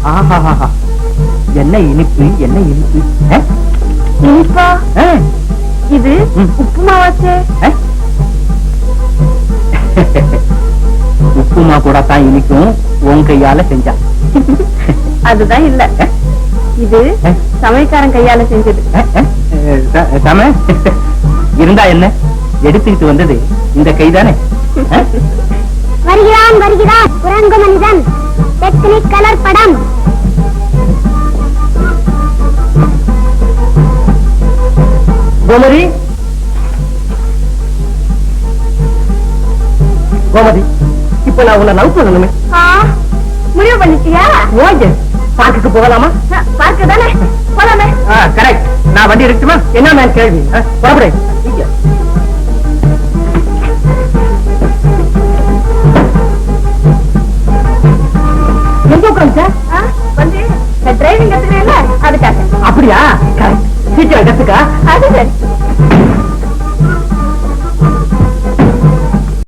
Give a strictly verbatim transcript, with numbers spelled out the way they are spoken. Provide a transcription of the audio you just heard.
ஆஹா, என்ன இனிப்பு, என்ன இனிப்பு. இனிப்பா? இது உப்புமாவாச்சே. உப்புமா கூட தான் இனிக்கும், உன் கையால செஞ்சா. அதுதான் இல்ல, இது சமையக்காரன் கையால செஞ்சது. சம இருந்தா என்ன, எடுத்துக்கிட்டு வந்தது இந்த கைதானே. வருகிறான் வருகிறான் குரங்கு மனிதன், டெக்னிக் கலர் படம். கோமதி, கோமதி, இப்ப நான் உன்னை லவ் பண்ணணுமே. முடிவு பண்ணிட்டியா? ஓகே, பார்க்குக்கு போகலாமா? பார்க்க தானே போலாமே. கரெக்ட். நான் வண்டி இருக்குமா? என்ன மேம் கேள்வி? புறப்படு. எங்க உட்காந்து வந்து டிரைவிங் கத்துக்கிறேன்ல, அதுக்காக. அப்படியா? சீக்கிரம் கத்துக்கா. அது சரி.